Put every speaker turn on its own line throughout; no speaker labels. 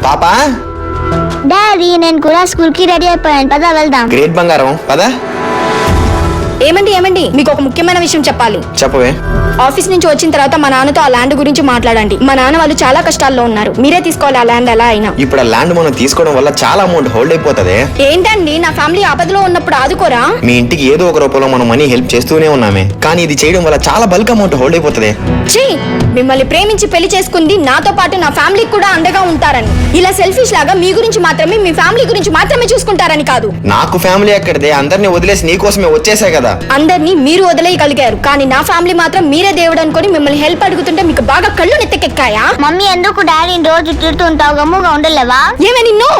పాపా
డాడీ నేను కూడా స్కూల్ కి రెడీ అయిపోయాను, పద వెళ్దాం.
గ్రేట్ బంగారం పదా.
ఏమండి మీకు ఒక ముఖ్యమైన విషయం చెప్పాలి.
చెప్పవే.
ఆఫీస్ నుంచి వచ్చిన తర్వాత మా నాన్నతో ఆ ల్యాండ్ గురించి మాట్లాడండి. మా నాన్న వాళ్ళు చాలా కష్టాల్లో ఉన్నారు, మీరే తీసుకోవాలి ఆ ల్యాండ్ ఎలా అయినా.
ఇప్పుడు ఆ ల్యాండ్ మనం తీసుకోవడం వల్ల చాలా అమౌంట్ హోల్డ్ అయిపోతుంది.
ఏంటండి నా ఫ్యామిలీ ఆపదలో ఉన్నప్పుడు ఆదుకోరా?
మీ ఇంటికి ఏదో ఒక రూపంలో మనం మనీ హెల్ప్ చేస్తూనే ఉన్నామే, కానీ ఇది చేయడం వల్ల చాలా బల్క్ అమౌంట్ హోల్డ్ అయిపోతుంది.
ఛీ, మిమ్మల్ని ప్రేమించి పెళ్లి చేసుకుంది నాతో పాటు నా ఫ్యామిలీకి కూడా అండగా ఉంటారని. ఇలా సెల్ఫిష్ లాగా మీ గురించి మాత్రమే, మీ ఫ్యామిలీ గురించి మాత్రమే చూసుకుంటారని కాదు.
నాకు ఫ్యామిలీ ఎక్కడిదే, అందరినీ వదిలేసి నీ కోసమే వచ్చేసా కదా.
అందరినీ మీరు వదిలేయగలిగారు, కానీ నా ఫ్యామిలీ మాత్రం మీరే దేవుడు అనుకొని మిమ్మల్ని హెల్ప్ అడుగుతుంటే మీకు బాగా కళ్ళు నెత్తకెక్కాయా?
మమ్మీ ఎందుకు డాడీని రోజు తిడుతుంటావు, గమ్ముగా ఉండలేవా?
ఏమే నిన్ను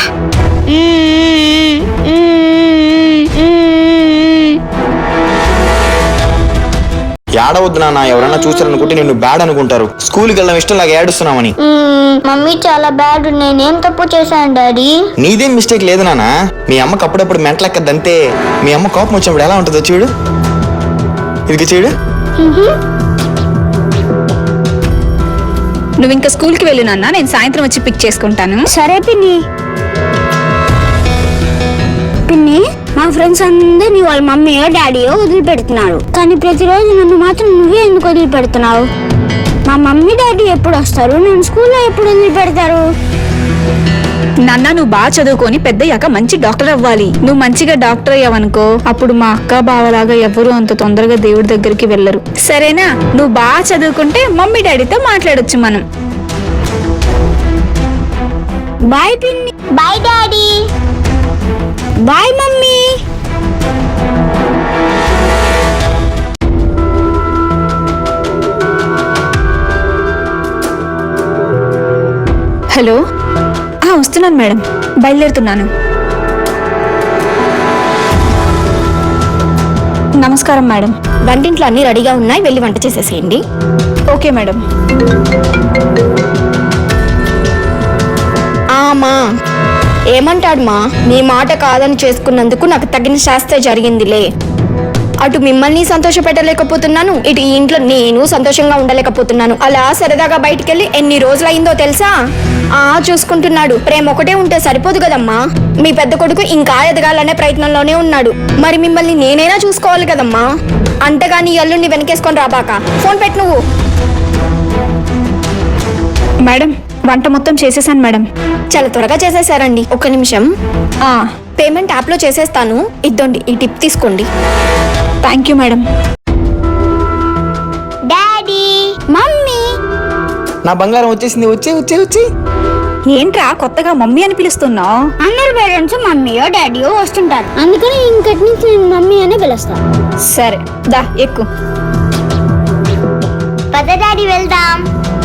ఏడవద్దు నాన్న, ఎవరైనా చూసారనుకుంటే నిన్ను బ్యాడ్ అనుకుంటారు. స్కూల్కి వెళ్ళడం ఇష్టం లాగా ఏడుస్తున్నామని.
మమ్మీ చాలా బ్యాడ్, నేనేం తప్పు చేశాను డాడీ?
నీదేం మిస్టేక్ లేదు నాన్న, మీ అమ్మకి అప్పుడప్పుడు మెంటలెక్కద్దంతే. మీ అమ్మ కోపం వచ్చినప్పుడు ఎలా ఉంటుందో చూడు, ఇది చూడు.
నువ్వు ఇంకా స్కూల్కి వెళ్ళు నాన్న, నేను సాయంత్రం వచ్చి పిక్ చేసుకుంటాను.
సరే పిన్ని. పిన్ని, మా ఫ్రెండ్స్ అందరినీ వాళ్ళ మమ్మీయో డాడీయో వదిలిపెడుతున్నారు, కానీ ప్రతిరోజు నన్ను మాత్రం నువ్వే ఎందుకు వదిలిపెడుతున్నావు? మా మమ్మీ డాడీ ఎప్పుడు వస్తారు? నేను స్కూల్లో ఎప్పుడు వదిలిపెడతారు?
నాన్న నువ్వు బాగా చదువుకొని పెద్దయ్యాక మంచి డాక్టర్ అవ్వాలి. నువ్వు మంచిగా డాక్టర్ అయ్యావనుకో, అప్పుడు మా అక్క బావలాగా ఎవరు అంత తొందరగా దేవుడి దగ్గరికి వెళ్ళరు. సరేనా? నువ్వు బాగా చదువుకుంటే మమ్మీ డాడీతో మాట్లాడొచ్చు మనం.
బాయ్ పిన్ని. Bye daddy. Bye mummy.
Hello, వస్తున్నాను మేడం, బయలుదేరుతున్నాను. నమస్కారం మేడం.
వంటింట్లో అన్ని రెడీగా ఉన్నాయి, వెళ్ళి వంట చేసేసేయండి.
Okay madam.
ఆమా ఏమంటాడు మా? నీ మాట కాదని చేసుకున్నందుకు నాకు తగిన శాస్త్ర జరిగిందిలే. అటు మిమ్మల్ని సంతోష పెట్టలేకపోతున్నాను, ఇటు ఈ ఇంట్లో నేను సంతోషంగా ఉండలేకపోతున్నాను. అలా సరదాగా బయటికెళ్ళి ఎన్ని రోజులైందో తెలుసా? చూసుకుంటున్నాడు. ప్రేమ ఒకటే ఉంటే సరిపోదు కదమ్మా. మీ పెద్ద కొడుకు ఇంకా ఎదగాలనే ప్రయత్నంలోనే ఉన్నాడు, మరి మిమ్మల్ని నేనైనా చూసుకోవాలి కదమ్మా. అంతగాని అల్లుడిని వెనకేసుకొని రాబాక. ఫోన్ పెట్టు నువ్వు.
మేడం, వంట మొత్తం చేసేసాను మేడం.
చాలా త్వరగా చేసేసారండి. ఒక్క నిమిషం. పేమెంట్ యాప్లో చేసేస్తాను, ఇద్దండి ఈ టిప్ తీసుకోండి.
Thank you madam.
Daddy, mummy.
నా బంగారం వచ్చేసింది. వచ్చి
ఏంట్రా కొత్తగా మమ్మీ అని పిలుస్తున్నావు?
అందరు పేరెంట్స్ మమ్మీయో డాడీయో వస్తుంటారు, అందుకని ఇంకటి నుంచి నేను మమ్మీ అనే పిలుస్తాను.
సరే దా ఎక్కు.
పద డాడీ వెళ్దాం.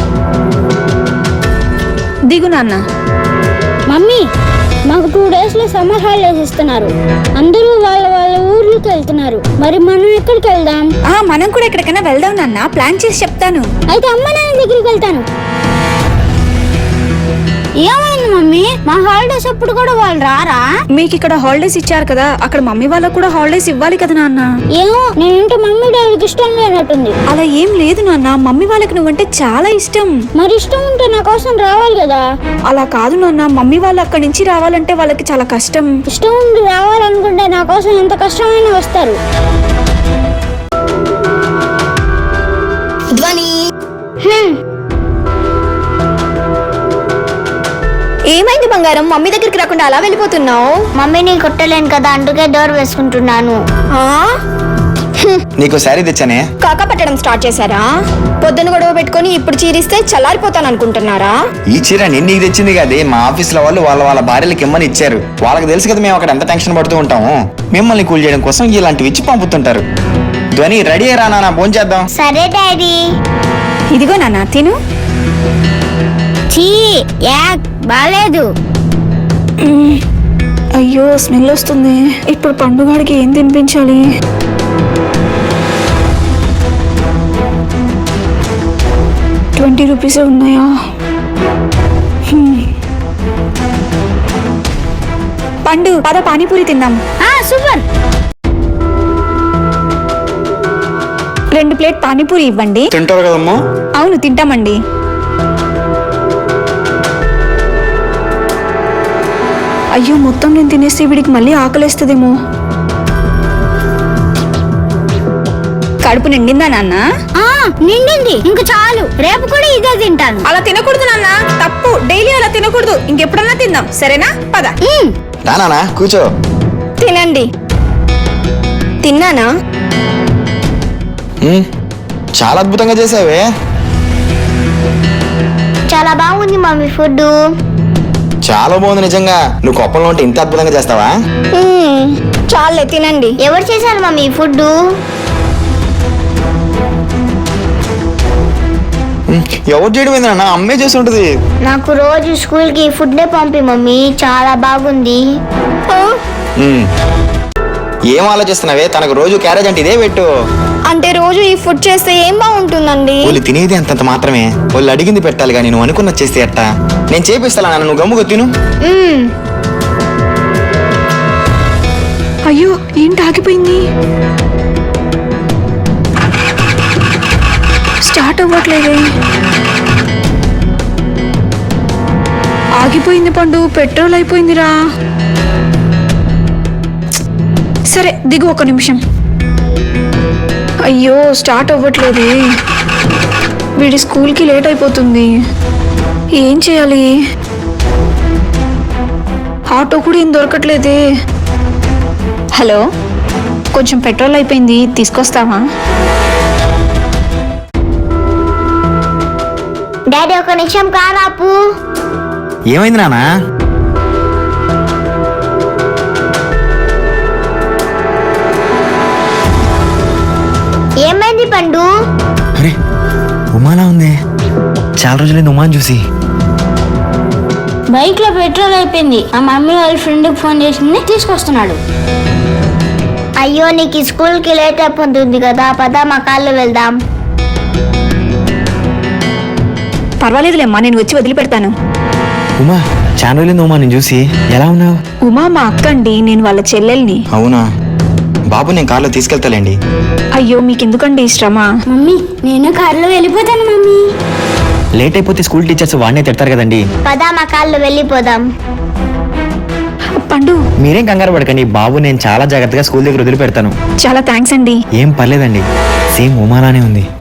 దిగు నాన్న.
మమ్మీ, మాకు 2 days లో సమ్మర్ హాలిడేస్ ఇస్తున్నారు. అందరూ వాళ్ళ వాళ్ళ ఊర్లకు వెళ్తున్నారు, మరి మనం ఎక్కడికి వెళ్దాం?
మనం కూడా ఎక్కడికైనా వెళ్దాం నాన్న, ప్లాన్ చేసి చెప్తాను.
అయితే అమ్మ నాన్న దగ్గరికి వెళ్తాను. ఏమైంది మమ్మీ? మా హాలిడేస్ అప్పుడు కూడా వాళ్ళు రారా?
మీకు ఇక్కడ హాలిడేస్ ఇచ్చారు కదా, అక్కడ మమ్మీ వాళ్ళకు కూడా హాలిడేస్ ఇవ్వాలి కదా నాన్న.
ఏమో, నేనంటే మమ్మీ డాడీకి ఇష్టం లేనట్టుంది.
అలా ఏం లేదు నాన్న, మమ్మీ వాళ్ళకి నువ్వంటే చాలా ఇష్టం.
మరి ఇష్టం ఉంటే నా కోసం రావాలి కదా.
అలా కాదు నాన్న, మమ్మీ వాళ్ళు అక్కడి నుంచి రావాలంటే వాళ్ళకి చాలా కష్టం.
ఇష్టం ఉండి రావాలనుకుంటే నా కోసం ఎంత కష్టమైనా వస్తారు.
ధ్వని, ఏమైంది బంగారం? మమ్మీ దగ్గరికి రాకుండా అలా వెళ్ళిపోతున్నావు?
మమ్మీని కొట్టలేను కదా, అందుకే డోర్ వేసుకుంటున్నాను.
నీకు శారీ తెచ్చానే.
కాకా పట్టడం స్టార్ట్ చేశారా? పొద్దున గొడవ పెట్టుకొని ఇప్పుడు చీరిస్తే చల్లారిపోతాను అనుకుంటున్నారా?
ఈ చీర నీకు తెచ్చింది కదే, మా ఆఫీస్ లో వాళ్ళు వాళ్ళ భార్యలకు ఇమ్మని ఇచ్చారు. వాళ్ళకి తెలుసు కదా మేము అక్కడ ఎంత టెన్షన్ పడుతూ ఉంటాము. మిమ్మల్ని కూల్ చేయడం కోసం ఇలాంటివి ఇచ్చి పంపుతుంటారు. ధ్వని రెడీ అయ్యరా నాన్న, భోజనం చేద్దాం.
సరే డాడీ.
ఇదిగో నాన్న తిను.
బాలేదు.
అయ్యో స్మెల్ వస్తుంది. ఇప్పుడు పండుగాడికి ఏం తినిపించాలి? ₹20 ఉన్నాయా? పండు పద పానీపూరి తిందాం.
సూపర్.
2 ప్లేట్ పానీపూరి ఇవ్వండి.
తింటారు కదమ్మా?
అవును తింటామండి. అయ్యో మొత్తం నేను తినేస్తే వీడికి మళ్ళీ ఆకలేస్తుందేమో. కడుపు నిండిందా నాన్న?
నిండింది, ఇంక చాలు, రేపు కూడా ఇదే తింటాను.
అలా తినకూడదు నాన్న, తప్పు. డైలీ అలా తినకూడదు. ఇంకెప్పుడన్నా తిందాం, సరేనా? పద.
రానా కూర్చో.
తినండి. తిన్నానా?
చాలా అద్భుతంగా చేసావే.
చాలా బాగుంది మమ్మీ ఫుడ్.
చాలా బాగుంది నిజంగా. నువ్వు కొప్పంలో ఉంటే ఇంత అద్భుతంగా చేస్తావా?
చాలే తినండి.
ఎవరు చేశారు మమ్మీ ఫుడ్?
ఎవరు చేయడం ఏందన్నా, అమ్మే చేసి ఉంటది.
నాకు రోజు స్కూల్ కి ఫుడ్ పంపి మమ్మీ, చాలా బాగుంది.
ఏం ఆలోచిస్తున్నావే? తనకు రోజు క్యారేజ్ అంటే ఇదే పెట్టు.
అంటే రోజు ఈ ఫుడ్ చేస్తే ఏం బాగుంటుందండి?
వాళ్ళు తినేది అంతంత మాత్రమే. వాళ్ళు అడిగింది పెట్టాలి కానీ నువ్వు అనుకున్నది చేస్తే ఎట్టా? నేను చేపిస్తా నాన్న, నువ్వు గమ్ముగా తిను.
అయ్యో ఏంటి ఆగిపోయింది? స్టార్ట్ అవ్వట్లేదే. ఆగిపోయింది పండు, పెట్రోల్ అయిపోయిందిరా. సరే దిగు, ఒక నిమిషం. అయ్యో స్టార్ట్ అవ్వట్లేదే. వీడి స్కూల్కి లేట్ అయిపోతుంది. ఏం చేయాలి? ఆటో కూడా ఏం దొరకట్లేదే. హలో, కొంచెం పెట్రోల్ అయిపోయింది, తీసుకొస్తావా?
డాడీ ఒక నిమిషం కారాపు.
ఏమైంది నానా?
ఏమైంది పండు?
అరే ఉమాలా ఉంది. చాలా రోజులైంది ఉమాని చూసి.
బైక్ లో పెట్రోల్ అయిపోయింది. మా మమ్మీ వాళ్ళ ఫ్రెండ్ కి ఫోన్ చేసింది, తీసుకొస్తున్నాడు. అయ్యో నీకు స్కూల్ కి లేట్ అయిపోతుంది కదా, పద మా కాళ్ళు వెళ్దాం.
పర్వాలేదులేమ్మా, నేను వచ్చి వదిలిపెడతాను.
ఉమా, చాలా రోజులైంది ఉమా నేను చూసి. ఎలా ఉన్నావు?
ఉమా మా అక్క అండి, నేను వాళ్ళ చెల్లెల్ని.
అవునా? బాబు నేను కార్లో తీసుకెళ్తాలేండి.
అయ్యో మీకెందుకండి శ్రమ?
మమ్మీ నేను కారులో వెళ్ళిపోతాను మమ్మీ.
లేట్ అయిపోతే స్కూల్ టీచర్స్ వాడినే తిడతారు కదండి.
పద మా కాళ్ళు వెళ్ళిపోదాం.
పండు
మీరేం కంగారు పడకండి, బాబు నేను చాలా జాగ్రత్తగా స్కూల్ దగ్గర వదిలిపెడతాను.
చాలా థ్యాంక్స్ అండి.
ఏం పర్లేదండి, సేమ్ ఉమాలానే ఉంది.